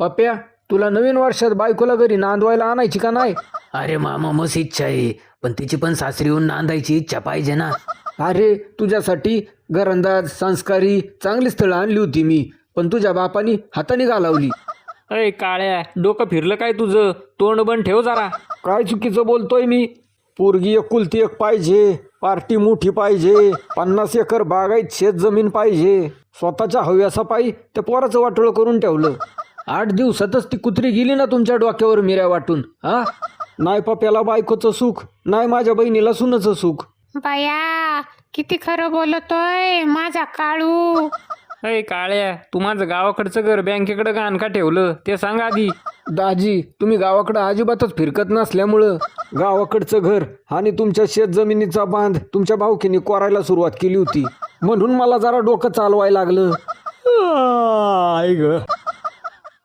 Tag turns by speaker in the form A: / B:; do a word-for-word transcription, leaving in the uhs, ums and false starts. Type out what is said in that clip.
A: पप्प्या, तुला नवीन वर्षात बायकोला घरी नांदवायला आणायची का नाही?
B: अरे मामा मस्त इच्छा आहे, पण तिची पण सासरी येऊन नांदायची इच्छा पाहिजे ना.
A: अरे तुझ्यासाठी घरंदाज संस्कारी चांगली स्थळं आणली होती मी, पण तुझ्या बापानी हाताने घालावली.
C: अय काळ्या, डोकं फिरलं काय तुझं? तोंड बंद ठेव जरा.
A: काय चुकीचं बोलतोय मी? पोरगी एकुलती एक पाहिजे, पार्टी मोठी पाहिजे, पन्नास एकर बागायत शेत जमीन पाहिजे. स्वतःच्या हव्यासापायी त्या पोराचं वाटोळं करून ठेवलं. आठ दिवसातच ती कुत्री गेली ना तुमच्या डोक्यावर मिऱ्या वाटून. हा, नाही पप्याला बायकोचं सुख, नाही माझ्या बहिणीला सुनाचं सुख.
D: बाया किती खरं बोलतोय माझा काळू.
C: अय काळ्या, तू माझं गावाकडचं घर बँकेकडे गाण का ठेवलं ते सांग आधी.
A: दाजी, तुम्ही गावाकडं अजिबातच फिरकत नसल्यामुळं गावाकडचं घर आणि तुमच्या शेत जमिनीचा बांध तुमच्या भाऊकीने कोरायला सुरुवात केली होती, म्हणून मला जरा डोकं चालवायला लागलं. आई ग.